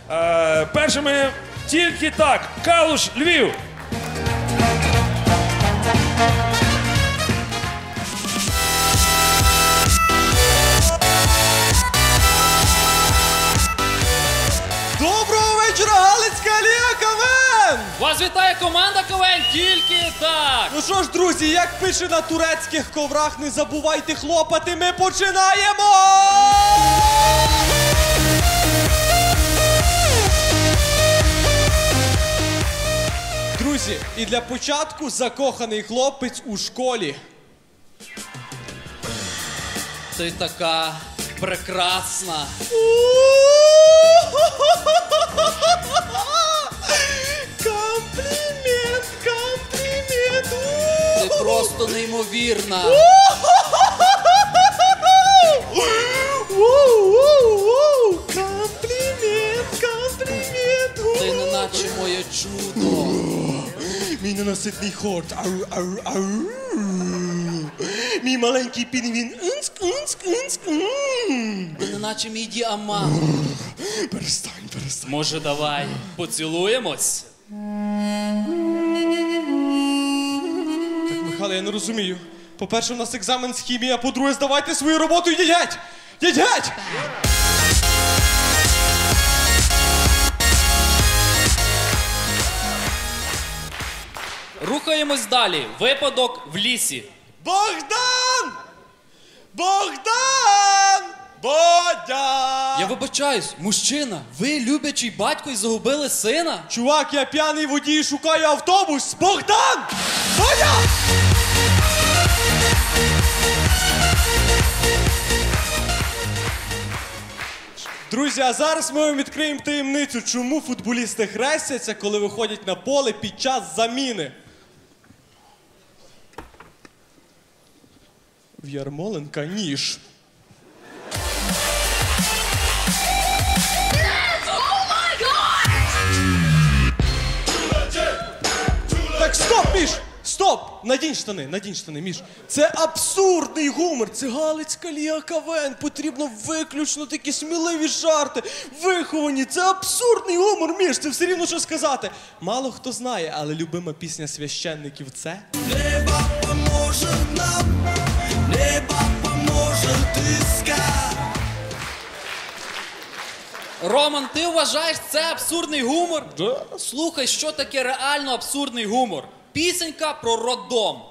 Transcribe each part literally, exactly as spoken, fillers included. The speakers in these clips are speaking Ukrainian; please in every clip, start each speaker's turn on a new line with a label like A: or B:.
A: Е, першими тільки так. Калуш, Львів.
B: Доброго вечора, Галицька Ліга КВН!
C: Вас вітає команда КВН «Тільки так».
B: Ну що ж, друзі, як пише на турецьких коврах, не забувайте хлопати, ми починаємо! Друзі, і для початку закоханий хлопець у школі.
C: Ти така прекрасна.
B: Комплімент, комплімент.
C: Ти просто неймовірна.
B: Комплімент, комплімент.
C: Ти неначе моє чудо.
B: Мій ненаситний хорт. Ау, ау, ау. Мій маленький пінгвін. Унск, унск, унск.
C: Ти неначе мій діамант.
B: Перестань, перестань.
C: Може, давай поцілуємось?
B: Так, Михайло, я не розумію. По-перше, у нас екзамен з хімії, а по-друге, здавайте свою роботу і йдіть геть! Йдіть геть!
C: Рухаємось далі. Випадок в лісі.
B: Богдан! Богдан! Бодя!
C: Я вибачаюсь, мужчина, ви любячий батько і загубили сина?
B: Чувак, я п'яний водій, шукаю автобус! Богдан! Бодя! Друзі, а зараз ми вам відкриємо таємницю, чому футболісти хрестяться, коли виходять на поле під час заміни. В Ярмоленка ніж. Так, стоп, Міш! Стоп! Надінь штани, надінь штани, Міш. Це абсурдний гумор, це Галицька Ліга КВН. Потрібно виключно такі сміливі жарти, виховані. Це абсурдний гумор, Міш, це все рівно що сказати. Мало хто знає, але любима пісня священників – це...
D: Небо поможе нам, небо поможе искать.
C: Роман, ти вважаєш це абсурдний гумор? Да. Слухай, що таке реально абсурдний гумор. Пісенька про роддом.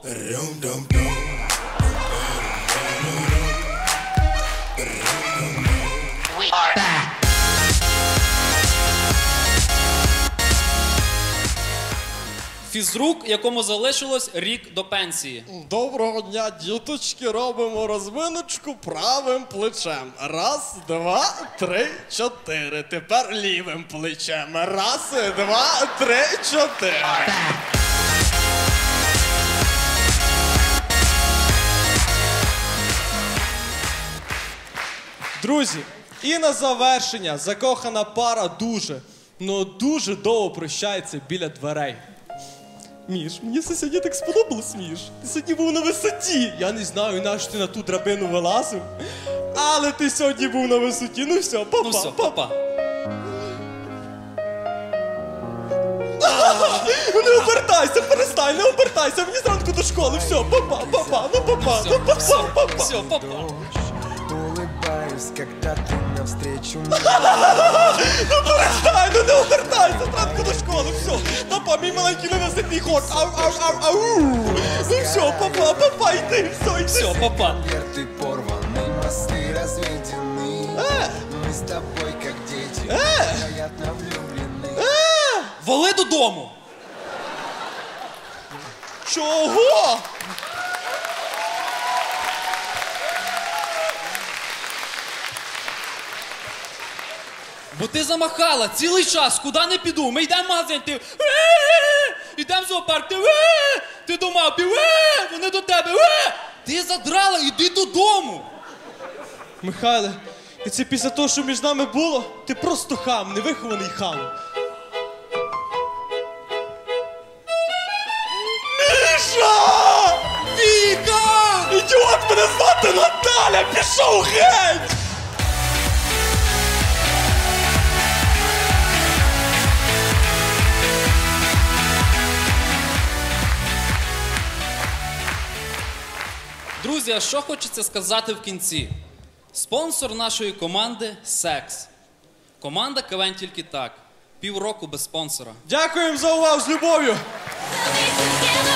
C: Фізрук, якому залишилось рік до пенсії.
B: Доброго дня, діточки, робимо розминочку правим плечем. Раз, два, три, чотири. Тепер лівим плечем. Раз, два, три, чотири. Друзі, і на завершення закохана пара дуже, ну дуже довго прощається біля дверей. Міш, мені це сьогодні так сподобалось, Міш. Ти сьогодні був на висоті. Я не знаю, нащо ти на ту драбину вилазив, але ти сьогодні був на висоті. Ну все, папа,
C: Ну все,
B: папа.
C: папа.
B: Не обертайся, перестань, не обертайся. Мені зранку до школи. Все, папа, папа, ну папа, ну папа,
C: Все,
B: папа.
C: все, папа.
D: Улыбаюсь, когда ты навстречу мне.
B: Ну перестань, ну не обертайся, зранку до школи. Все, папа, мій маленький ненаситний хор. Ау, ау, ау, ау. Ну все, папа, папа, йди, все, йди.
C: Все, папа.
D: Конверты порваны, мосты разведены. Мы с тобой как дети, невероятно влюблены.
C: Вали додому.
B: Чого?
C: Бо ти замахала цілий час, куди не піду. Ми йдемо в магазин, ти йдемо в зоопарк, ти ти до мавпі, вони до тебе. Ти задрала, іди додому.
B: Михайле, і це після того, що між нами було, ти просто хам, невихований хам. Міша! Віка! Ідіот, мене звати Наталя! Пішов геть!
C: Друзі, а що хочеться сказати в кінці? Спонсор нашої команди – секс. Команда КВН «Тільки так». Півроку без спонсора.
B: Дякуємо за увагу, з любов'ю!
E: We'll be together.